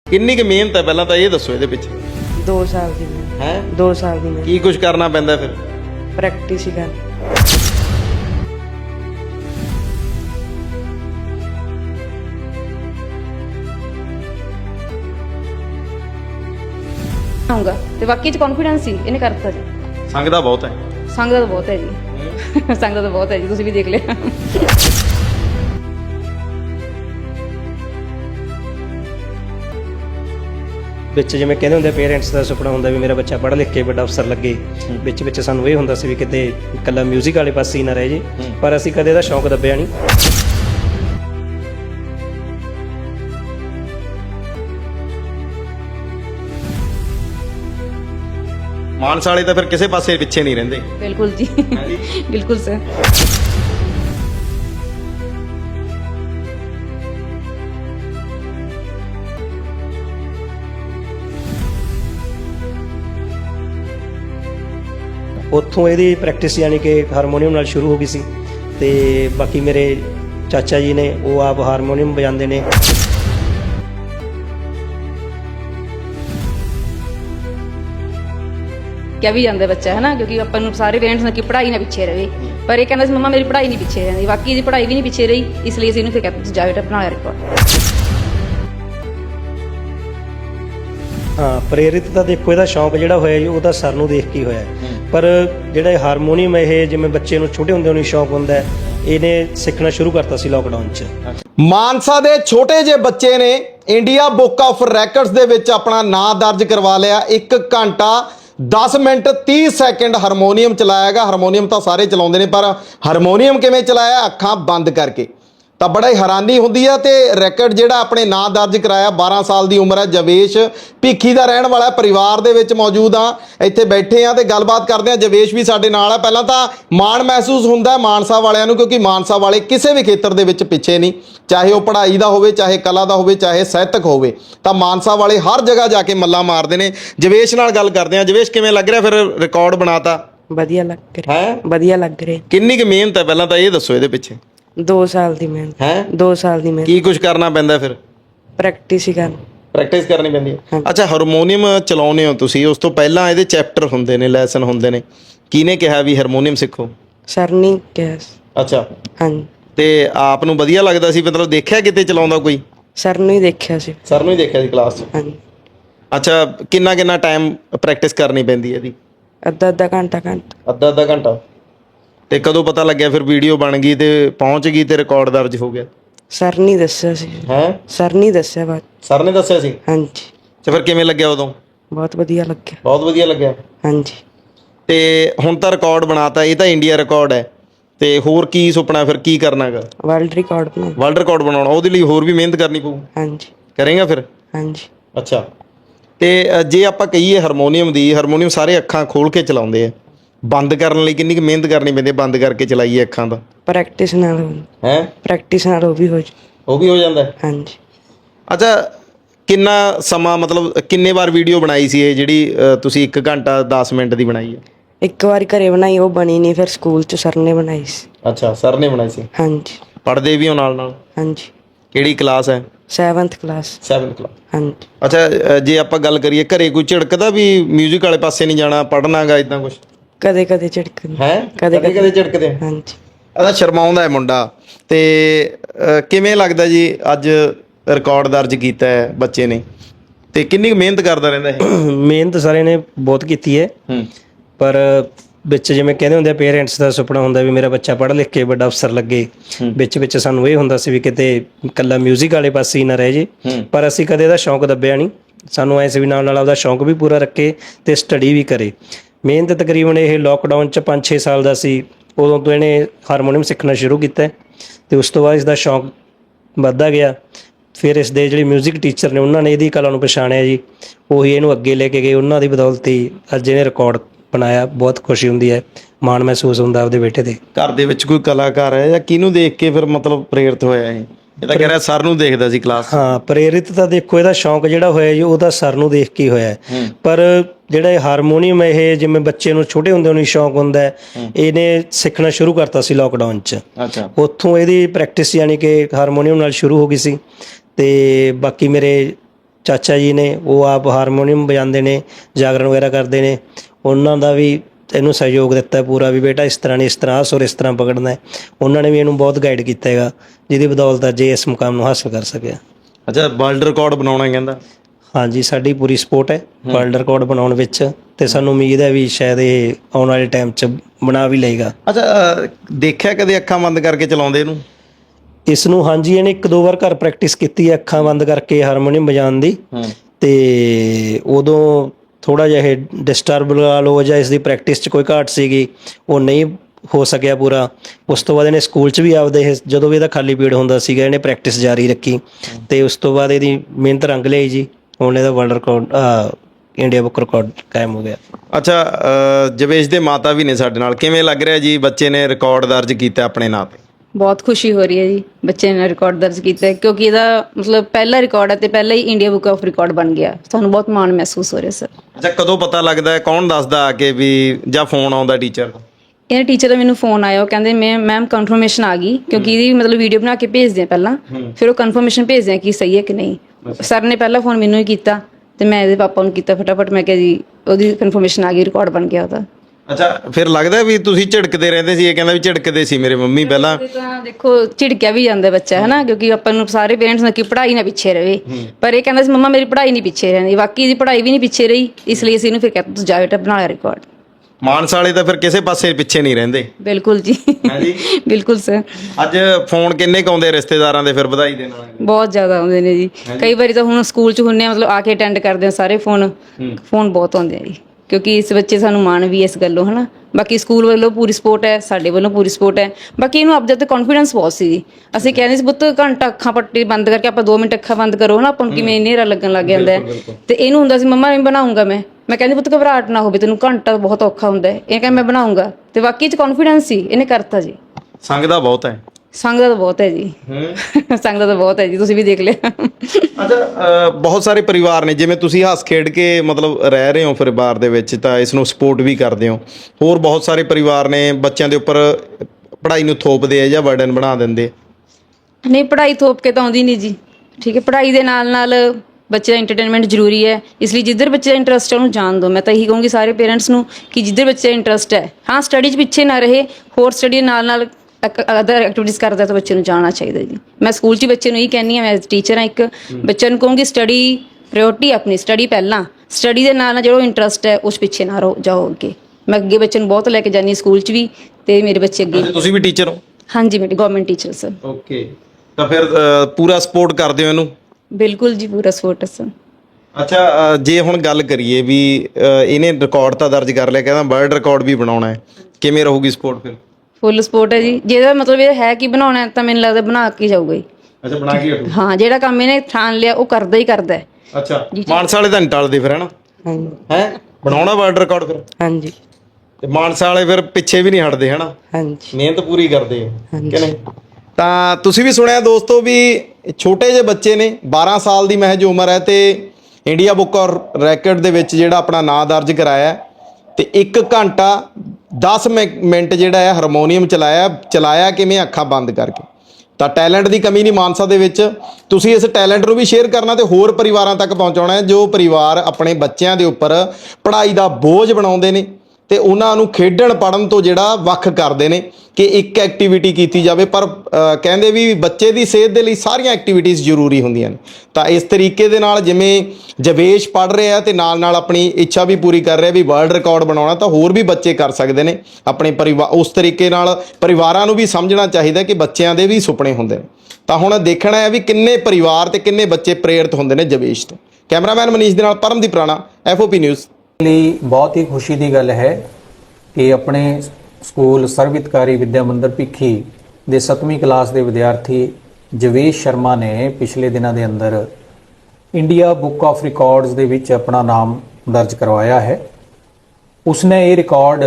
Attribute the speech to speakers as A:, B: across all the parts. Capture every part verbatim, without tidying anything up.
A: ਕਿੰਨੀ ਕੁ ਮਿਹਨਤ ਹੈ ਪਹਿਲਾਂ ਤਾਂ ਇਹ ਦੱਸੋ ਇਹਦੇ ਪਿੱਛੇ।
B: दो साल की मेहनत
A: ਹੈ
B: दो साल की मेहनत
A: ਕੀ ਕੁਝ ਕਰਨਾ ਪੈਂਦਾ ਫਿਰ?
B: प्रैक्टिस ही कर
C: ਆਊਂਗਾ ਤੇ ਬਾਕੀ ਚ ਕੌਨਫੀਡੈਂਸ ਸੀ ਇਹਨੇ ਕਰਤਾ ਜੀ।
A: ਸੰਗ ਦਾ ਬਹੁਤ ਹੈ।
C: ਸੰਗ ਦਾ ਤਾਂ ਬਹੁਤ ਹੈ ਜੀ ਸੰਗ ਦਾ ਤਾਂ ਬਹੁਤ ਹੈ ਜੀ, ਤੁਸੀਂ ਵੀ ਦੇਖ ਲਿਆ।
D: ਵਿੱਚ ਜਿਵੇਂ ਕਹਿੰਦੇ ਹੁੰਦੇ ਪੇਰੈਂਟਸ ਦਾ ਸੁਪਨਾ ਹੁੰਦਾ ਵੀ ਮੇਰਾ ਬੱਚਾ ਪੜ੍ਹ ਲਿਖ ਕੇ ਵੱਡਾ ਅਫਸਰ ਲੱਗੇ। ਵਿੱਚ ਵਿੱਚ ਸਾਨੂੰ ਇਹ ਹੁੰਦਾ ਸੀ ਵੀ ਕਿਤੇ ਇਕੱਲਾ ਮਿਊਜ਼ਿਕ ਵਾਲੇ ਪਾਸੇ ਹੀ ਨਾ ਰਹਿ ਜੇ, ਪਰ ਅਸੀਂ ਕਦੇ ਇਹਦਾ ਸ਼ੌਂਕ ਦੱਬਿਆ ਨਹੀਂ।
A: ਮਾਨਸਾ ਵਾਲੇ ਤਾਂ ਫਿਰ ਕਿਸੇ ਪਾਸੇ ਪਿੱਛੇ ਨਹੀਂ ਰਹਿੰਦੇ।
C: ਬਿਲਕੁਲ ਜੀ, ਬਿਲਕੁਲ ਸਰ।
D: ਉੱਥੋਂ ਇਹਦੀ ਪ੍ਰੈਕਟਿਸ ਯਾਨੀ ਕਿ ਹਾਰਮੋਨੀਅਮ ਨਾਲ ਸ਼ੁਰੂ ਹੋ ਗਈ ਸੀ, ਤੇ ਬਾਕੀ ਮੇਰੇ ਚਾਚਾ ਜੀ ਨੇ ਉਹ ਆਪ ਹਾਰਮੋਨੀਅਮ ਵਜਾਉਂਦੇ ਨੇ।
C: ਕਿਹਾ ਵੀ ਜਾਂਦਾ ਬੱਚਾ ਹੈ ਨਾ, ਕਿਉਂਕਿ ਆਪਾਂ ਨੂੰ ਸਾਰੇ ਪੇਰੈਂਟਸ ਨੇ ਕਿ ਪੜ੍ਹਾਈ ਨਾ ਪਿੱਛੇ ਰਹੇ, ਪਰ ਇਹ ਕਹਿੰਦਾ ਸੀ ਮੰਮਾ ਮੇਰੀ ਪੜ੍ਹਾਈ ਨਹੀਂ ਪਿੱਛੇ ਰਹਿੰਦੀ। ਬਾਕੀ ਇਹਦੀ ਪੜ੍ਹਾਈ ਵੀ ਨਹੀਂ ਪਿੱਛੇ ਰਹੀ, ਇਸ ਲਈ ਅਸੀਂ ਇਹਨੂੰ ਫਿਰ ਕਹਿੰਦੇ ਤੁਸੀਂ ਜਾ ਬੇਟਾ ਬਣਾ ਲਿਆ ਰਿਕਾਰਡ।
D: ਹਾਂ, ਪ੍ਰੇਰਿਤ ਤਾਂ ਦੇਖੋ ਇਹਦਾ ਸ਼ੌਂਕ ਜਿਹੜਾ ਹੋਇਆ ਜੀ ਉਹ ਤਾਂ ਸਰ ਨੂੰ ਦੇਖ ਕੇ ਹੀ ਹੋਇਆ, ਪਰ ਜਿਹੜਾ ਇਹ ਹਾਰਮੋਨੀਅਮ ਇਹ ਜਿਵੇਂ ਬੱਚੇ ਨੂੰ ਛੋਟੇ ਹੁੰਦੇ ਨੂੰ ਸ਼ੌਂਕ ਹੁੰਦਾ ਹੈ, ਇਹਨੇ ਸਿੱਖਣਾ ਸ਼ੁਰੂ ਕਰਤਾ ਸੀ ਲੋਕਡਾਊਨ 'ਚ।
A: ਮਾਨਸਾ ਦੇ ਛੋਟੇ ਜਿਹੇ ਬੱਚੇ ਨੇ ਇੰਡੀਆ ਬੁੱਕ ਆਫ ਰੈਕਰਡਸ ਦੇ ਵਿੱਚ ਆਪਣਾ ਨਾਂ ਦਰਜ ਕਰਵਾ ਲਿਆ। ਇੱਕ ਘੰਟਾ ਦਸ ਮਿੰਟ ਤੀਹ ਸੈਕਿੰਡ ਹਾਰਮੋਨੀਅਮ ਚਲਾਇਆਗਾ। ਹਾਰਮੋਨੀਅਮ ਤਾਂ ਸਾਰੇ ਚਲਾਉਂਦੇ ਨੇ, ਪਰ ਹਾਰਮੋਨੀਅਮ ਕਿਵੇਂ ਚਲਾਇਆ? ਅੱਖਾਂ ਬੰਦ ਕਰਕੇ। ਤਾਂ ਬੜਾ ਹੀ ਹੈਰਾਨੀ ਹੁੰਦੀ ਆ। ਤੇ ਰੈਕਡ ਜਿਹੜਾ ਆਪਣੇ ਨਾਂ ਦਰਜ ਕਰਾਇਆ, ਬਾਰਾਂ ਸਾਲ ਦੀ ਉਮਰ ਹੈ, ਜਵੇਸ਼ ਭੀਖੀ ਦਾ ਰਹਿਣ ਵਾਲਾ। ਪਰਿਵਾਰ ਦੇ ਵਿੱਚ ਮੌਜੂਦ ਆ, ਇੱਥੇ ਬੈਠੇ ਆ ਤੇ ਗੱਲਬਾਤ ਕਰਦੇ ਆ। ਜਵੇਸ਼ ਵੀ ਸਾਡੇ ਨਾਲ ਆ। ਪਹਿਲਾਂ ਤਾਂ ਮਾਣ ਮਹਿਸੂਸ ਹੁੰਦਾ ਮਾਨਸਾ ਵਾਲਿਆਂ ਨੂੰ, ਕਿਉਂਕਿ ਮਾਨਸਾ ਵਾਲੇ ਕਿਸੇ ਵੀ ਖੇਤਰ ਦੇ ਵਿੱਚ ਪਿੱਛੇ ਨਹੀਂ, ਚਾਹੇ ਉਹ ਪੜ੍ਹਾਈ ਦਾ ਹੋਵੇ, ਚਾਹੇ ਕਲਾ ਦਾ ਹੋਵੇ, ਚਾਹੇ ਸਾਹਿਤਕ ਹੋਵੇ, ਤਾਂ ਮਾਨਸਾ ਵਾਲੇ ਹਰ ਜਗ੍ਹਾ ਜਾ ਕੇ ਮੱਲਾ ਮਾਰਦੇ ਨੇ। ਜਵੇਸ਼ ਨਾਲ ਗੱਲ ਕਰਦੇ ਆ। ਜਵੇਸ਼, ਕਿਵੇਂ ਲੱਗ ਰਿਹਾ ਫਿਰ ਰਿਕਾਰਡ ਬਣਾਤਾ?
B: बढ़िया लग रहा
A: ਹੈ
B: बढ़िया लग रहे
A: ਕਿੰਨੀ ਕੁ ਮਿਹਨਤ ਹੈ ਪਹਿਲਾਂ ਤਾਂ ਇਹ ਦੱਸੋ ਇਹਦੇ ਪਿੱਛੇ।
B: दो साल की मेहनत
A: ਹੈ
B: दो साल की मेहनत
A: ਕੀ ਕੁਝ ਕਰਨਾ ਪੈਂਦਾ ਫਿਰ?
B: प्रैक्टिस ही कर
A: ਪ੍ਰੈਕਟਿਸ ਕਰਨੀ ਪੈਂਦੀ ਹੈ।
B: ਹਾਂ।
A: ਅੱਛਾ, ਹਾਰਮੋਨੀਅਮ ਚਲਾਉਂਦੇ ਹੋ ਤੁਸੀਂ, ਉਸ ਤੋਂ ਪਹਿਲਾਂ ਇਹਦੇ ਚੈਪਟਰ ਹੁੰਦੇ ਨੇ, ਲੈਸਨ ਹੁੰਦੇ ਨੇ। ਕਿਹਨੇ ਕਿਹਾ ਵੀ ਹਾਰਮੋਨੀਅਮ ਸਿੱਖੋ?
B: सर ने क्या
A: ਅੱਛਾ,
B: हाँ
A: ਤੇ ਆਪ ਨੂੰ ਵਧੀਆ ਲੱਗਦਾ ਸੀ? ਮਤਲਬ ਦੇਖਿਆ ਕਿਤੇ ਚਲਾਉਂਦਾ ਕੋਈ?
B: सर ने ही देखा सी
A: ਸਰ ਨੂੰ ਹੀ ਦੇਖਿਆ ਸੀ ਕਲਾਸ 'ਚ।
B: हाँ
A: ਅੱਛਾ, ਕਿੰਨਾ ਕਿੰਨਾ ਟਾਈਮ ਪ੍ਰੈਕਟਿਸ ਕਰਨੀ ਪੈਂਦੀ ਹੈ ਇਹਦੀ?
B: अद्धा अद्धा घंटा घंटा
A: ਅੱਧਾ ਅੱਧਾ ਘੰਟਾ। ਤੇ ਕਦੋਂ ਪਤਾ ਲੱਗਿਆ ਫਿਰ ਵੀਡੀਓ ਬਣ ਗਈ ਤੇ ਪਹੁੰਚ ਗਈ ਤੇ ਰਿਕਾਰਡ ਦਰਜ ਹੋ ਗਿਆ?
B: सर ने दस्या सी
A: ਹੈ
B: सर ने दस्या बात
A: ਸਰ ਨੇ ਦੱਸਿਆ ਸੀ?
B: हाँ जी
A: ਤੇ ਫਿਰ ਕਿਵੇਂ ਲੱਗਿਆ ਉਦੋਂ?
B: बहुत बढ़िया लग गया
A: ਬਹੁਤ ਵਧੀਆ ਲੱਗਿਆ।
B: हाँ जी
A: ਤੇ ਹੁਣ ਤਾਂ ਰਿਕਾਰਡ ਬਣਾਤਾ, ਇਹ ਤਾਂ ਇੰਡੀਆ ਰਿਕਾਰਡ ਹੈ। ਤੇ ਹੋਰ ਕੀ ਸੁਪਨਾ ਫਿਰ, ਕੀ ਕਰਨਾਗਾ?
B: वर्ल्ड रिकॉर्ड बना
A: ਵਰਲਡ ਰਿਕਾਰਡ ਬਣਾਉਣਾ, ਉਹਦੇ ਲਈ ਹੋਰ ਵੀ ਮਿਹਨਤ ਕਰਨੀ ਪਊ।
B: हाँ जी
A: ਕਰੇਗਾ ਫਿਰ?
B: हाँ जी
A: ਅੱਛਾ, ਤੇ ਅ, ਜੇ ਆਪਾਂ ਕਹੀਏ ਹਾਰਮੋਨੀਅਮ ਦੀ, ਹਾਰਮੋਨੀਅਮ ਸਾਰੇ ਅੱਖਾਂ ਖੋਲ ਕੇ ਚਲਾਉਂਦੇ ਆ, ਬੰਦ ਕਰਨ ਲਈ ਕਿੰਨੀ ਕੁ ਮਿਹਨਤ ਕਰਨੀ ਪੈਂਦੀ ਹੈ? ਬੰਦ ਕਰਕੇ ਚਲਾਈਏ ਅੱਖਾਂ ਦਾ।
B: प्रैक्टिस नाल
A: ਹੈ
B: प्रैक्टिस नाल वो भी हो जा-
A: ਉਹ ਵੀ ਹੋ ਜਾਂਦਾ ਹੈ।
B: हाँ जी
A: ਅੱਛਾ, ਕਿੰਨਾ ਸਮਾਂ, ਮਤਲਬ ਕਿੰਨੇ ਵਾਰ ਵੀਡੀਓ ਬਣਾਈ ਸੀ ਇਹ ਜਿਹੜੀ ਅ, ਤੁਸੀਂ ਇੱਕ ਘੰਟਾ ਦਸ ਮਿੰਟ ਦੀ ਬਣਾਈ ਹੈ?
B: एक बार घरे बनाई वो बनी नहीं, फिर स्कूल च सर ने बनाई सी
A: ਅੱਛਾ, ਸਰ ਨੇ ਬਣਾਈ ਸੀ।
B: हाँ जी
A: ਪੜ੍ਹਦੇ ਵੀ ਹੋ ਨਾਲ ਨਾਲ?
B: हाँ जी
A: ਕਿਹੜੀ ਕਲਾਸ ਹੈ?
B: Seventh class
A: seventh class.
B: हाँ जी
A: ਅੱਛਾ, ਅ, ਜੇ ਆਪਾਂ ਗੱਲ ਕਰੀਏ ਘਰੇ ਕੋਈ ਝਿੜਕਦਾ ਵੀ ਮਿਊਜ਼ਿਕ ਵਾਲੇ ਪਾਸੇ ਨਹੀਂ ਜਾਣਾ, ਪੜ੍ਹਨਾਗਾ, ਇਦਾਂ ਕੁਝ
B: कदे कदे झिड़क
A: ਹੈ?
B: ਕਦੇ-
A: ਕਦੇ ਕਦੇ ਝਿੜਕਦੇ?
B: हाँ जी
A: ਇਹਦਾ ਸ਼ਰਮਾਉਂਦਾ ਹੈ ਮੁੰਡਾ। ਤੇ ਅ, ਕਿਵੇਂ ਲੱਗਦਾ ਜੀ ਅੱਜ ਰਿਕਾਰਡ ਦਰਜ ਕੀਤਾ ਹੈ ਬੱਚੇ ਨੇ, ਤੇ ਕਿੰਨੀ ਕੁ ਮਿਹਨਤ ਕਰਦਾ ਰਹਿੰਦਾ ਇਹ?
D: ਮਿਹਨਤ ਸਾਰੇ ਨੇ ਬਹੁਤ ਕੀਤੀ ਹੈ,
A: ਹੂੰ
D: ਪਰ ਵਿੱਚ ਜਿਵੇਂ ਕਹਿੰਦੇ ਹੁੰਦੇ ਪੇਰੈਂਟਸ ਦਾ ਸੁਪਨਾ ਹੁੰਦਾ ਵੀ ਮੇਰਾ ਬੱਚਾ ਪੜ੍ਹ ਲਿਖ ਕੇ ਵੱਡਾ ਅਫਸਰ ਲੱਗੇ। ਵਿੱਚ ਵਿੱਚ ਸਾਨੂੰ ਇਹ ਹੁੰਦਾ ਸੀ ਵੀ ਕਿਤੇ ਇਕੱਲਾ ਮਿਊਜ਼ਿਕ ਵਾਲੇ ਪਾਸੇ ਹੀ ਨਾ ਰਹਿ ਜੇ, ਪਰ ਅਸੀਂ ਕਦੇ ਇਹਦਾ ਸ਼ੌਂਕ ਦੱਬਿਆ ਨਹੀਂ। ਸਾਨੂੰ ਐਂ ਸੀ ਵੀ ਨਾਲ ਨਾਲ ਆਪਦਾ ਸ਼ੌਂਕ ਵੀ ਪੂਰਾ ਰੱਖੇ ਤੇ ਸਟੱਡੀ ਵੀ ਕਰੇ। ਮਿਹਨਤ ਤਕਰੀਬਨ ਇਹ ਲੋਕਡਾਊਨ 'ਚ ਪੰਜ ਛੇ ਸਾਲ ਦਾ ਸੀ, ਉਦੋਂ ਤੋਂ ਇਹਨੇ ਹਾਰਮੋਨੀਅਮ ਸਿੱਖਣਾ ਸ਼ੁਰੂ ਕੀਤਾ, ਤੇ ਉਸ ਤੋਂ ਬਾਅਦ ਇਸਦਾ ਸ਼ੌਂਕ ਵੱਧਦਾ ਗਿਆ। ਫਿਰ ਇਸ ਦੇ ਜਿਹੜੇ ਮਿਊਜ਼ਿਕ ਟੀਚਰ ਨੇ ਉਹਨਾਂ ਨੇ ਇਹਦੀ ਕਲਾ ਨੂੰ ਪਛਾਣਿਆ ਜੀ, ਉਹੀ ਇਹਨੂੰ ਅੱਗੇ ਲੈ ਕੇ ਗਏ। ਉਹਨਾਂ ਦੀ ਬਦੌਲਤ ਹੀ ਅੱਜ ਇਹਨੇ ਰਿਕਾਰਡ ਬਣਾਇਆ। ਬਹੁਤ ਖੁਸ਼ੀ ਹੁੰਦੀ ਹੈ, ਮਾਣ ਮਹਿਸੂਸ ਹੁੰਦਾ ਆਪਦੇ ਬੇਟੇ ਤੇ।
A: ਘਰ ਦੇ ਵਿੱਚ ਕੋਈ ਕਲਾਕਾਰ ਹੈ ਜਾਂ ਕਿਹਨੂੰ ਦੇਖ ਕੇ ਫਿਰ ਮਤਲਬ ਪ੍ਰੇਰਿਤ ਹੋਇਆ ਇਹ? ਇਹ ਤਾਂ ਕਹਿ ਰਿਹਾ ਸਰ ਨੂੰ ਦੇਖਦਾ ਸੀ ਕਲਾਸ।
D: ਹਾਂ, ਪ੍ਰੇਰਿਤ ਤਾਂ ਦੇਖੋ ਇਹਦਾ ਸ਼ੌਂਕ ਜਿਹੜਾ ਹੋਇਆ ਜੀ ਉਹ ਤਾਂ ਸਰ ਨੂੰ ਦੇਖ ਕੇ ਹੀ ਹੋਇਆ, ਪਰ ਜਿਹੜਾ ਇਹ ਹਾਰਮੋਨੀਅਮ ਇਹ ਜਿਵੇਂ ਬੱਚੇ ਨੂੰ ਛੋਟੇ ਹੁੰਦੇ ਨੂੰ ਸ਼ੌਂਕ ਹੁੰਦਾ, ਇਹਨੇ ਸਿੱਖਣਾ ਸ਼ੁਰੂ ਕਰਤਾ ਸੀ ਲੋਕਡਾਊਨ 'ਚ।
A: ਅੱਛਾ,
D: ਉੱਥੋਂ ਇਹਦੀ ਪ੍ਰੈਕਟਿਸ ਯਾਨੀ ਕਿ ਹਾਰਮੋਨੀਅਮ ਨਾਲ ਸ਼ੁਰੂ ਹੋ ਗਈ ਸੀ, ਤੇ ਬਾਕੀ ਮੇਰੇ ਚਾਚਾ ਜੀ ਨੇ ਉਹ ਆਪ ਹਾਰਮੋਨੀਅਮ ਵਜਾਉਂਦੇ ਨੇ, ਜਾਗਰਣ ਵਗੈਰਾ ਕਰਦੇ ਨੇ, ਉਹਨਾਂ ਦਾ ਵੀ ਇਹਨੂੰ ਸਹਿਯੋਗ ਦਿੱਤਾ ਪੂਰਾ ਵੀ ਬੇਟਾ ਇਸ ਤਰ੍ਹਾਂ ਨਹੀਂ, ਇਸ ਤਰ੍ਹਾਂ ਸੁਰ ਇਸ ਤਰ੍ਹਾਂ ਪਕੜਨਾ ਹੈ। ਉਹਨਾਂ ਨੇ ਵੀ ਇਹਨੂੰ ਬਹੁਤ ਗਾਈਡ ਕੀਤਾ ਹੈਗਾ, ਜਿਹਦੀ ਬਦੌਲਤ ਅੱਜ ਇਹ ਇਸ ਮੁਕਾਮ ਨੂੰ ਹਾਸਲ ਕਰ ਸਕਿਆ।
A: ਅੱਛਾ, ਵਰਲਡ ਰਿਕਾਰਡ ਬਣਾਉਣਾ ਕਹਿੰਦਾ।
D: ਹਾਂਜੀ, ਸਾਡੀ ਪੂਰੀ ਸਪੋਰਟ ਹੈ ਵਰਲਡ ਰਿਕਾਰਡ ਬਣਾਉਣ ਵਿੱਚ, ਤੇ ਸਾਨੂੰ ਉਮੀਦ ਹੈ ਵੀ ਸ਼ਾਇਦ ਇਹ ਆਉਣ ਵਾਲੇ ਟਾਈਮ 'ਚ ਬਣਾ ਵੀ ਲਏਗਾ।
A: ਅੱਛਾ, ਅ, ਦੇਖਿਆ ਕਦੇ ਅੱਖਾਂ ਬੰਦ ਕਰਕੇ ਚਲਾਉਂਦੇ ਇਹਨੂੰ?
D: ਇਸ ਨੂੰ ਹਾਂਜੀ, ਇਹਨੇ ਇੱਕ ਦੋ ਵਾਰ ਘਰ ਪ੍ਰੈਕਟਿਸ ਕੀਤੀ ਹੈ ਅੱਖਾਂ ਬੰਦ ਕਰਕੇ ਹਾਰਮੋਨੀਅਮ ਵਜਾਉਣ ਦੀ, ਤੇ ਉਦੋਂ ਥੋੜ੍ਹਾ ਜਿਹਾ ਇਹ ਡਿਸਟਰਬ ਲਗਾ ਲਓ ਜਾਂ ਇਸ ਦੀ ਪ੍ਰੈਕਟਿਸ 'ਚ ਕੋਈ ਘਾਟ ਸੀਗੀ, ਉਹ ਨਹੀਂ ਹੋ ਸਕਿਆ ਪੂਰਾ। ਉਸ ਤੋਂ ਬਾਅਦ ਇਹਨੇ ਸਕੂਲ 'ਚ ਵੀ ਆਪਦੇ ਇਹ ਜਦੋਂ ਵੀ ਇਹਦਾ ਖਾਲੀ ਪੀਰੀਅਡ ਹੁੰਦਾ ਸੀਗਾ ਇਹਨੇ ਪ੍ਰੈਕਟਿਸ ਜਾਰੀ ਰੱਖੀ, ਤੇ ਉਸ ਤੋਂ ਬਾਅਦ ਇਹਦੀ ਮਿਹਨਤ ਰੰਗ ਲਿਆਈ ਜੀ। ਹੁਣ ਇਹਦਾ world record, India book record ਕਾਇਮ ਹੋ ਗਿਆ।
A: ਅੱਛਾ, ਅ, ਜਵੇਸ਼ ਦੇ ਮਾਤਾ ਵੀ ਨੇ ਸਾਡੇ ਨਾਲ, ਕਿਵੇਂ ਲੱਗ ਰਿਹਾ ਜੀ ਬੱਚੇ ਨੇ ਰਿਕਾਰਡ ਦਰਜ ਕੀਤਾ ਆਪਣੇ ਨਾਂ 'ਤੇ?
C: ਬਹੁਤ ਖੁਸ਼ੀ ਹੋ ਰਹੀ ਹੈ ਜੀ, ਬੱਚੇ ਨੇ ਰਿਕਾਰਡ ਦਰਜ ਕੀਤਾ ਹੈ, ਕਿਉਂਕਿ ਇਹਦਾ ਮਤਲਬ ਪਹਿਲਾ ਰਿਕਾਰਡ ਹੈ ਤੇ ਪਹਿਲਾਂ ਹੀ ਇੰਡੀਆ ਬੁੱਕ ਆਫ ਰਿਕਾਰਡ ਬਣ ਗਿਆ। ਸਾਨੂੰ ਬਹੁਤ ਮਾਣ ਮਹਿਸੂਸ ਹੋ ਰਿਹਾ ਸਰ।
A: ਅੱਛਾ, ਕਦੋਂ ਪਤਾ ਲੱਗਦਾ ਹੈ, ਕੌਣ ਦੱਸਦਾ ਆ ਕੇ ਵੀ, ਜਾਂ ਫੋਨ ਆਉਂਦਾ ਟੀਚਰ ਦਾ?
C: ਇਹਨਾਂ ਟੀਚਰ ਦਾ ਮੈਨੂੰ ਫੋਨ ਆਇਆ, ਉਹ ਕਹਿੰਦੇ ਮੈਂ ਮੈਮ ਕਨਫਰਮੇਸ਼ਨ ਆ ਗਈ, ਕਿਉਂਕਿ ਇਹਦੀ ਮਤਲਬ ਵੀਡੀਓ ਬਣਾ ਕੇ ਭੇਜਦੇ ਆ ਪਹਿਲਾਂ, ਫਿਰ ਉਹ ਕਨਫਰਮੇਸ਼ਨ ਭੇਜਦੇ ਆ ਕਿ ਸਹੀ ਹੈ ਕਿ ਨਹੀਂ। ਸਰ ਨੇ ਪਹਿਲਾਂ ਫੋਨ ਮੈਨੂੰ ਹੀ ਕੀਤਾ ਤੇ ਮੈਂ ਇਹਦੇ ਪਾਪਾ ਨੂੰ ਕੀਤਾ ਫਟਾਫਟ, ਮੈਂ ਕਿਹਾ ਜੀ ਉਹਦੀ ਕਨਫਰਮੇਸ਼ਨ ਆ ਗਈ, ਰਿਕਾਰਡ ਬਣ ਗਿਆ ਉਹਦਾ।
A: ਅੱਛਾ, ਫਿਰ ਲੱਗਦਾ ਵੀ ਤੁਸੀਂ ਝਿੜਕਦੇ ਰਹਿੰਦੇ ਸੀ? ਇਹ ਕਹਿੰਦਾ ਵੀ ਝਿੜਕਦੇ ਸੀ ਮੇਰੇ ਮੰਮੀ ਪਹਿਲਾਂ।
C: ਤਾਂ ਦੇਖੋ ਝਿੜਕਿਆ ਵੀ ਜਾਂਦਾ ਬੱਚਾ ਹੈ ਨਾ, ਕਿਉਂਕਿ ਆਪਾਂ ਨੂੰ ਸਾਰੇ ਪੇਰੈਂਟਸ ਨੂੰ ਕਿ ਪੜ੍ਹਾਈ ਨਾ ਪਿੱਛੇ ਰਹੇ, ਪਰ ਇਹ ਕਹਿੰਦਾ ਸੀ ਮੰਮਾ ਮੇਰੀ ਪੜ੍ਹਾਈ ਨਹੀਂ ਪਿੱਛੇ ਰਹਿੰਦੀ। ਵਾਕਈ ਦੀ ਪੜ੍ਹਾਈ ਵੀ ਨਹੀਂ ਪਿੱਛੇ ਰਹੀ, ਇਸ ਲਈ ਅਸੀਂ ਇਹਨੂੰ ਫਿਰ ਕਹਿੰਦੇ ਤੂੰ ਜਾ ਬੇਟਾ ਬਣਾ ਲਿਆ ਰਿਕਾਰਡ।
A: ਮਾਨਸਾ ਵਾਲੇ ਤਾਂ ਫਿਰ ਕਿਸੇ ਪਾਸੇ ਪਿੱਛੇ ਨਹੀਂ ਰਹਿੰਦੇ।
C: ਬਿਲਕੁਲ ਜੀ,
A: ਹਾਂਜੀ
C: ਬਿਲਕੁਲ ਸਰ।
A: ਅੱਜ ਫੋਨ ਕਿੰਨੇ ਕੁ ਆਉਂਦੇ ਰਿਸ਼ਤੇਦਾਰਾਂ ਦੇ ਫਿਰ ਵਧਾਈ ਦੇਣ ਵਾਲੇ?
C: ਬਹੁਤ ਜ਼ਿਆਦਾ ਆਉਂਦੇ ਨੇ ਜੀ। ਕਈ ਵਾਰੀ ਤਾਂ ਹੁਣ ਸਕੂਲ 'ਚ ਹੁੰਨੇ ਆ, ਮਤਲਬ ਆ ਕੇ ਅਟੈਂਡ ਕਰਦੇ ਆ ਸਾਰੇ, ਫੋਨ ਫੋਨ ਬਹੁਤ ਆਉਂਦੇ ਆ ਜੀ, ਕਿਉਂਕਿ ਇਸ ਬੱਚੇ ਸਾਨੂੰ ਮਾਣ ਵੀ ਇਸ ਗੱਲੋਂ ਹੈ ਨਾ। ਬਾਕੀ ਸਕੂਲ ਵੱਲੋਂ ਪੂਰੀ ਸਪੋਰਟ ਹੈ, ਸਾਡੇ ਵੱਲੋਂ ਪੂਰੀ ਸਪੋਰਟ ਹੈ। ਬਾਕੀ ਇਹਨੂੰ ਆਪਦੇ ਤੇ ਕੌਨਫੀਡੈਂਸ ਬਹੁਤ ਸੀ ਜੀ। ਅਸੀਂ ਕਹਿੰਦੇ ਸੀ ਪੁੱਤ ਘੰਟਾ ਅੱਖਾਂ ਪੱਟੀ ਬੰਦ ਕਰਕੇ ਆਪਾਂ ਦੋ ਮਿੰਟ ਅੱਖਾਂ ਬੰਦ ਕਰੋ ਨਾ, ਆਪਾਂ ਨੂੰ ਕਿਵੇਂ ਹਨੇਰਾ ਲੱਗਣ ਲੱਗ ਜਾਂਦਾ ਹੈ, ਤੇ ਇਹਨੂੰ ਹੁੰਦਾ ਸੀ ਮੰਮਾ ਮੈਂ ਬਣਾਉਂਗਾ। ਮੈਂ ਮੈਂ ਕਹਿੰਦੀ ਪੁੱਤ ਘਬਰਾਹਟ ਨਾ ਹੋਵੇ, ਤੈਨੂੰ ਘੰਟਾ ਬਹੁਤ ਔਖਾ ਹੁੰਦਾ ਹੈ। ਇਹ ਕਹਿੰਦਾ ਮੈਂ ਬਣਾਉਂਗਾ, ਤੇ ਬਾਕੀ 'ਚ ਕੌਨਫੀਡੈਂਸ ਸੀ, ਇਹਨੇ ਕਰਤਾ ਜੀ।
A: ਸੰਗ ਦਾ ਬਹੁਤ ਹੈ।
C: ਸੰਗ ਦਾ ਤਾਂ ਬਹੁਤ ਹੈ ਜੀ, ਸੰਗ ਦਾ ਤਾਂ ਬਹੁਤ ਹੈ ਜੀ, ਤੁਸੀਂ ਵੀ ਦੇਖ ਲਿਆ।
A: ਅੱਛਾ, ਅ, ਬਹੁਤ ਸਾਰੇ ਪਰਿਵਾਰ ਨੇ, ਜਿਵੇਂ ਤੁਸੀਂ ਹੱਸ ਖੇਡ ਕੇ ਮਤਲਬ ਰਹਿ ਰਹੇ ਹੋ ਪਰਿਵਾਰ ਦੇ ਵਿੱਚ, ਤਾਂ ਇਸ ਨੂੰ ਸਪੋਰਟ ਵੀ ਕਰਦੇ ਹੋ। ਹੋਰ ਬਹੁਤ ਸਾਰੇ ਪਰਿਵਾਰ ਨੇ ਬੱਚਿਆਂ ਦੇ ਉੱਪਰ ਪੜ੍ਹਾਈ ਨੂੰ ਥੋਪਦੇ ਆ ਜਾਂ ਬਰਡਨ ਬਣਾ ਦਿੰਦੇ।
C: ਨਹੀਂ, ਪੜ੍ਹਾਈ ਥੋਪ ਕੇ ਤਾਂ ਆਉਂਦੀ ਨਹੀਂ ਜੀ, ਠੀਕ ਹੈ। ਪੜ੍ਹਾਈ ਦੇ ਨਾਲ ਨਾਲ ਬੱਚੇ ਦਾ ਇੰਟਰਟੇਨਮੈਂਟ ਜ਼ਰੂਰੀ ਹੈ, ਇਸ ਲਈ ਜਿੱਧਰ ਬੱਚੇ ਦਾ ਇੰਟਰਸਟ ਹੈ ਉਹਨੂੰ ਜਾਣ ਦਿਓ। ਮੈਂ ਤਾਂ ਇਹੀ ਕਹੂੰਗੀ ਸਾਰੇ ਪੇਰੈਂਟਸ ਨੂੰ ਕਿ ਜਿੱਧਰ ਬੱਚੇ ਦਾ ਇੰਟਰਸਟ ਹੈ, ਹਾਂ ਸਟੱਡੀ 'ਚ ਪਿੱਛੇ ਨਾ ਰਹੇ, ਹੋਰ ਸਟੱਡੀ ਨਾਲ ਨਾਲ ਅਦਰ ਐਕਟੀਵਿਟੀਜ਼ ਕਰਦਾ ਤਾਂ ਬੱਚੇ ਨੂੰ ਜਾਣਾ ਚਾਹੀਦਾ ਜੀ। ਮੈਂ ਸਕੂਲ 'ਚ ਬੱਚੇ ਨੂੰ ਇਹੀ ਕਹਿੰਦੀ ਹਾਂ, ਮੈਂ ਐਜ਼ ਟੀਚਰ ਹਾਂ ਇੱਕ, ਬੱਚਿਆਂ ਨੂੰ ਕਹੂੰਗੀ ਸਟੱਡੀ ਪ੍ਰਾਇਓਰਟੀ, ਆਪਣੀ ਸਟੱਡੀ ਪਹਿਲਾਂ, ਸਟੱਡੀ ਦੇ ਨਾਲ ਨਾਲ ਜਿਹੜਾ ਇੰਟਰਸਟ ਹੈ ਉਸ ਪਿੱਛੇ ਨਾ ਰਹੋ, ਜਾਓ ਅੱਗੇ। ਮੈਂ ਅੱਗੇ ਬੱਚੇ ਨੂੰ ਬਹੁਤ ਲੈ ਕੇ ਜਾਂਦੀ ਹਾਂ ਸਕੂਲ 'ਚ ਵੀ, ਤੇ ਮੇਰੇ ਬੱਚੇ ਅੱਗੇ।
A: ਤੁਸੀਂ ਵੀ ਟੀਚਰ ਹੋ?
C: ਹਾਂਜੀ, ਮੇਰੀ ਗਵਰਨਮੈਂਟ ਟੀਚਰ ਸਰ।
A: ਓਕੇ, ਤਾਂ ਫਿਰ ਪੂਰਾ ਸਪੋਰਟ ਕਰਦੇ ਹੋ ਇਹਨੂੰ?
C: ਬਿਲਕੁਲ ਜੀ, ਪੂਰਾ ਸਪੋਰਟ ਹੈ ਸਰ।
A: ਅੱਛਾ, ਅ, ਜੇ ਹੁਣ ਗੱਲ ਕਰੀਏ ਵੀ ਅ, ਇਹਨੇ ਰਿਕਾਰਡ ਤਾਂ ਦਰਜ ਕਰ ਲਿਆ, ਕਹਿੰਦਾ ਵਰਲਡ ਰਿਕਾਰਡ ਵੀ ਬਣਾਉਣਾ ਹੈ, ਕਿਵੇਂ ਰਹੂਗੀ ਸਪੋਰਟ ਫਿਰ?
C: ਫੁੱਲ ਸਪੋਰਟ ਹੈ ਜੀ। ਜਿਹਦਾ ਮਤਲਬ ਇਹ ਹੈ ਕਿ ਬਣਾਉਣਾ ਤਾਂ ਮੈਨੂੰ ਲੱਗਦਾ ਬਣਾ ਕੇ ਜਾਊਗਾ ਹੀ।
A: ਅੱਛਾ, ਬਣਾ ਕੇ ਹਟੂ?
C: ਹਾਂ, ਜਿਹੜਾ ਕੰਮ ਇਹਨੇ ਠਾਣ ਲਿਆ ਉਹ ਕਰਦਾ ਹੀ ਕਰਦਾ ਹੈ।
A: ਅੱਛਾ, ਮਾਨਸਾ ਵਾਲੇ ਤਾਂ ਨਹੀਂ ਟਲਦੇ ਫਿਰ, ਹੈ ਨਾ?
B: ਹਾਂਜੀ
A: ਹੈ ਬਣਾਉਣਾ ਵਰਲਡ ਰਿਕਾਰਡ ਫਿਰ?
B: ਹਾਂਜੀ
A: ਤੇ ਮਾਨਸਾ ਵਾਲੇ ਫਿਰ ਪਿੱਛੇ ਵੀ ਨਹੀਂ ਹਟਦੇ, ਹੈ ਨਾ?
B: ਹਾਂਜੀ
A: ਮਿਹਨਤ ਪੂਰੀ ਕਰਦੇ ਆ
B: ਹਾਂਜੀ।
A: ਕਿ ਨਹੀਂ? ਤਾਂ ਤੁਸੀਂ ਵੀ ਸੁਣਿਆ ਦੋਸਤੋ ਵੀ ਛੋਟੇ ਜਿਹੇ ਬੱਚੇ ਨੇ, ਬਾਰਾਂ ਸਾਲ ਦੀ ਮਹਿਜ ਉਮਰ ਹੈ, ਤੇ ਇੰਡੀਆ ਬੁੱਕ ਔਰ ਰੈਕਡ ਦੇ ਵਿੱਚ ਜਿਹੜਾ ਆਪਣਾ ਨਾਂ ਦਰਜ ਕਰਾਇਆ, ਤੇ ਇੱਕ ਘੰਟਾ ਦਸ ਮਿੰਟ ਜਿਹੜਾ ਹੈ ਹਾਰਮੋਨੀਅਮ ਚਲਾਇਆ। ਚਲਾਇਆ ਕਿਵੇਂ? ਅੱਖਾਂ ਬੰਦ ਕਰਕੇ। ਤਾਂ ਟੈਲੈਂਟ ਦੀ ਕਮੀ ਨਹੀਂ ਮਾਨਸਾ ਦੇ ਵਿੱਚ। ਤੁਸੀਂ ਇਸ ਟੈਲੈਂਟ ਨੂੰ ਵੀ ਸ਼ੇਅਰ ਕਰਨਾ ਤੇ ਹੋਰ ਪਰਿਵਾਰਾਂ ਤੱਕ ਪਹੁੰਚਾਉਣਾ ਹੈ, ਜੋ ਪਰਿਵਾਰ ਆਪਣੇ ਬੱਚਿਆਂ ਦੇ ਉੱਪਰ ਪੜ੍ਹਾਈ ਦਾ ਬੋਝ ਬਣਾਉਂਦੇ ਨੇ ਤੇ ਉਹਨਾਂ ਨੂੰ ਖੇਡਣ ਪੜ੍ਹਨ ਤੋਂ ਜਿਹੜਾ ਵੱਖ ਕਰਦੇ ਨੇ ਕਿ ਇੱਕ ਐਕਟੀਵਿਟੀ ਕੀਤੀ ਜਾਵੇ। ਪਰ ਕਹਿੰਦੇ ਵੀ ਬੱਚੇ ਦੀ ਸਿਹਤ ਦੇ ਲਈ ਸਾਰੀਆਂ ਐਕਟੀਵਿਟੀਜ਼ ਜ਼ਰੂਰੀ ਹੁੰਦੀਆਂ ਨੇ। ਤਾਂ ਇਸ ਤਰੀਕੇ ਦੇ ਨਾਲ ਜਿਵੇਂ ਜਵੇਸ਼ ਪੜ੍ਹ ਰਿਹਾ ਤੇ ਨਾਲ ਨਾਲ ਆਪਣੀ ਇੱਛਾ ਵੀ ਪੂਰੀ ਕਰ ਰਿਹਾ ਵੀ ਵਰਲਡ ਰਿਕਾਰਡ ਬਣਾਉਣਾ, ਤਾਂ ਹੋਰ ਵੀ ਬੱਚੇ ਕਰ ਸਕਦੇ ਨੇ ਆਪਣੇ ਪਰਿਵਾਰ। ਉਸ ਤਰੀਕੇ ਨਾਲ ਪਰਿਵਾਰਾਂ ਨੂੰ ਵੀ ਸਮਝਣਾ ਚਾਹੀਦਾ ਕਿ ਬੱਚਿਆਂ ਦੇ ਵੀ ਸੁਪਨੇ ਹੁੰਦੇ ਨੇ। ਤਾਂ ਹੁਣ ਦੇਖਣਾ ਹੈ ਵੀ ਕਿੰਨੇ ਪਰਿਵਾਰ ਤੇ ਕਿੰਨੇ ਬੱਚੇ ਪ੍ਰੇਰਿਤ ਹੁੰਦੇ ਨੇ ਜਵੇਸ਼ ਤੋਂ। ਕੈਮਰਾਮੈਨ ਮਨੀਸ਼ ਦੇ ਨਾਲ Parmdeep Rana, F O P news.
E: ਲਈ ਬਹੁਤ ਹੀ ਖੁਸ਼ੀ ਦੀ ਗੱਲ ਹੈ ਕਿ ਆਪਣੇ ਸਕੂਲ ਸਰਵਿਤਕਾਰੀ ਵਿਦਿਆ ਮੰਦਿਰ ਭਿੱਖੀ ਦੇ ਸੱਤਵੀਂ ਕਲਾਸ ਦੇ ਵਿਦਿਆਰਥੀ ਜਵੇਸ਼ ਸ਼ਰਮਾ ਨੇ ਪਿਛਲੇ ਦਿਨਾਂ ਦੇ ਅੰਦਰ ਇੰਡੀਆ ਬੁੱਕ ਆਫ ਰਿਕਾਰਡਸ ਦੇ ਵਿੱਚ ਆਪਣਾ ਨਾਮ ਦਰਜ ਕਰਵਾਇਆ ਹੈ। ਉਸਨੇ ਇਹ ਰਿਕਾਰਡ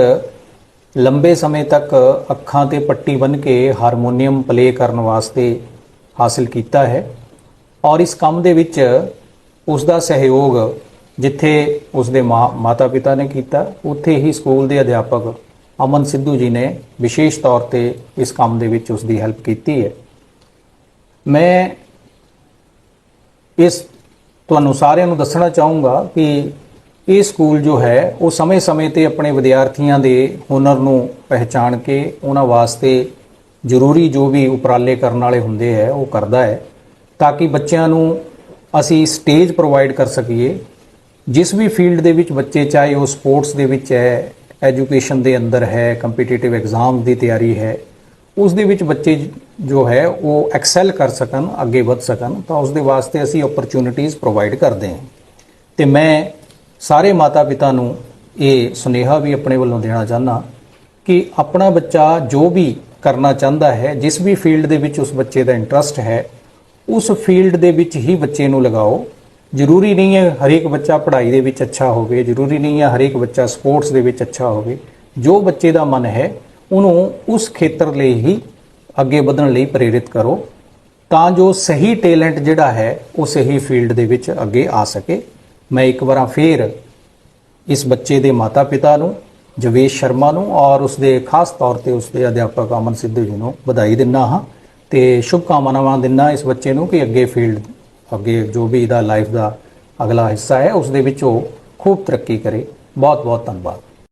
E: ਲੰਬੇ ਸਮੇਂ ਤੱਕ ਅੱਖਾਂ ਤੇ ਪੱਟੀ ਬੰਨ੍ਹ ਕੇ ਹਾਰਮੋਨੀਅਮ ਪਲੇ ਕਰਨ ਵਾਸਤੇ ਹਾਸਲ ਕੀਤਾ ਹੈ ਔਰ ਇਸ ਕੰਮ ਦੇ ਵਿੱਚ ਉਸ ਦਾ ਸਹਿਯੋਗ ਜਿੱਥੇ ਉਸਦੇ ਮਾਂ ਮਾਤਾ ਪਿਤਾ ਨੇ ਕੀਤਾ, ਉੱਥੇ ਹੀ ਸਕੂਲ ਦੇ ਅਧਿਆਪਕ ਅਮਨ ਸਿੱਧੂ ਜੀ ਨੇ ਵਿਸ਼ੇਸ਼ ਤੌਰ ਤੇ ਇਸ ਕੰਮ ਦੇ ਵਿੱਚ ਉਸ ਦੀ ਹੈਲਪ ਕੀਤੀ ਹੈ। ਮੈਂ ਇਸ ਤੁਹਾਨੂੰ ਸਾਰਿਆਂ ਨੂੰ ਦੱਸਣਾ ਚਾਹੂੰਗਾ ਕਿ ਇਹ ਸਕੂਲ ਜੋ ਹੈ ਉਹ ਸਮੇਂ-ਸਮੇਂ ਤੇ ਆਪਣੇ ਵਿਦਿਆਰਥੀਆਂ ਦੇ ਹੁਨਰ ਨੂੰ ਪਹਿਚਾਣ ਕੇ ਉਹਨਾਂ ਵਾਸਤੇ ਜ਼ਰੂਰੀ ਜੋ ਵੀ ਉਪਰਾਲੇ ਕਰਨ ਵਾਲੇ ਹੁੰਦੇ ਹੈ ਉਹ ਕਰਦਾ ਹੈ, ਤਾਂ ਕਿ ਬੱਚਿਆਂ ਨੂੰ ਅਸੀਂ ਸਟੇਜ ਪ੍ਰੋਵਾਈਡ ਕਰ ਸਕੀਏ। ਜਿਸ ਵੀ ਫੀਲਡ ਦੇ ਵਿੱਚ ਬੱਚੇ, ਚਾਹੇ ਉਹ ਸਪੋਰਟਸ ਦੇ ਵਿੱਚ ਹੈ, ਐਜੂਕੇਸ਼ਨ ਦੇ ਅੰਦਰ ਹੈ, ਕੰਪੀਟੀਟਿਵ ਐਗਜ਼ਾਮ ਦੀ ਤਿਆਰੀ ਹੈ, ਉਸ ਦੇ ਵਿੱਚ ਬੱਚੇ ਜੋ ਹੈ ਉਹ ਐਕਸੈਲ ਕਰ ਸਕਣ, ਅੱਗੇ ਵਧ ਸਕਣ, ਤਾਂ ਉਸ ਦੇ ਵਾਸਤੇ ਅਸੀਂ ਓਪਰਚੁਨਿਟੀਜ਼ ਪ੍ਰੋਵਾਈਡ ਕਰਦੇ ਹਾਂ। ਤੇ ਮੈਂ ਸਾਰੇ ਮਾਤਾ ਪਿਤਾ ਨੂੰ ਇਹ ਸੁਨੇਹਾ ਵੀ ਆਪਣੇ ਵੱਲੋਂ ਦੇਣਾ ਚਾਹੁੰਦਾ ਕਿ ਆਪਣਾ ਬੱਚਾ ਜੋ ਵੀ ਕਰਨਾ ਚਾਹੁੰਦਾ ਹੈ, ਜਿਸ ਵੀ ਫੀਲਡ ਦੇ ਵਿੱਚ ਉਸ ਬੱਚੇ ਦਾ ਇੰਟਰਸਟ ਹੈ, ਉਸ ਫੀਲਡ ਦੇ ਵਿੱਚ ਹੀ ਬੱਚੇ ਨੂੰ ਲਗਾਓ। ਜ਼ਰੂਰੀ ਨਹੀਂ ਹੈ ਹਰੇਕ ਬੱਚਾ ਪੜ੍ਹਾਈ ਦੇ ਵਿੱਚ ਅੱਛਾ ਹੋਵੇ, ਜ਼ਰੂਰੀ ਨਹੀਂ ਹੈ ਹਰੇਕ ਬੱਚਾ ਸਪੋਰਟਸ ਦੇ ਵਿੱਚ ਅੱਛਾ ਹੋਵੇ। ਜੋ ਬੱਚੇ ਦਾ ਮਨ ਹੈ ਉਹਨੂੰ ਉਸ ਖੇਤਰ ਲਈ ਹੀ ਅੱਗੇ ਵਧਣ ਲਈ ਪ੍ਰੇਰਿਤ ਕਰੋ, ਤਾਂ ਜੋ ਸਹੀ ਟੈਲੈਂਟ ਜਿਹੜਾ ਹੈ ਉਹ ਸਹੀ ਫੀਲਡ ਦੇ ਵਿੱਚ ਅੱਗੇ ਆ ਸਕੇ। ਮੈਂ ਇੱਕ ਵਾਰ ਫੇਰ ਇਸ ਬੱਚੇ ਦੇ ਮਾਤਾ ਪਿਤਾ ਨੂੰ, ਜਵੇਸ਼ ਸ਼ਰਮਾ ਨੂੰ, ਔਰ ਉਸਦੇ ਖਾਸ ਤੌਰ ਤੇ ਉਸਦੇ ਅਧਿਆਪਕ ਅਮਨ ਸਿੱਧੂ ਜੀ ਨੂੰ ਵਧਾਈ ਦਿੰਦਾ ਹਾਂ ਤੇ ਸ਼ੁਭਕਾਮਨਾਵਾਂ ਦਿੰਦਾ ਇਸ ਬੱਚੇ ਨੂੰ ਕਿ ਅੱਗੇ ਫੀਲਡ, ਅੱਗੇ ਜੋ ਵੀ ਇਹਦਾ ਲਾਈਫ ਦਾ ਅਗਲਾ ਹਿੱਸਾ ਹੈ ਉਸ ਦੇ ਵਿੱਚ ਉਹ ਖੂਬ ਤਰੱਕੀ ਕਰੇ। ਬਹੁਤ ਬਹੁਤ ਧੰਨਵਾਦ।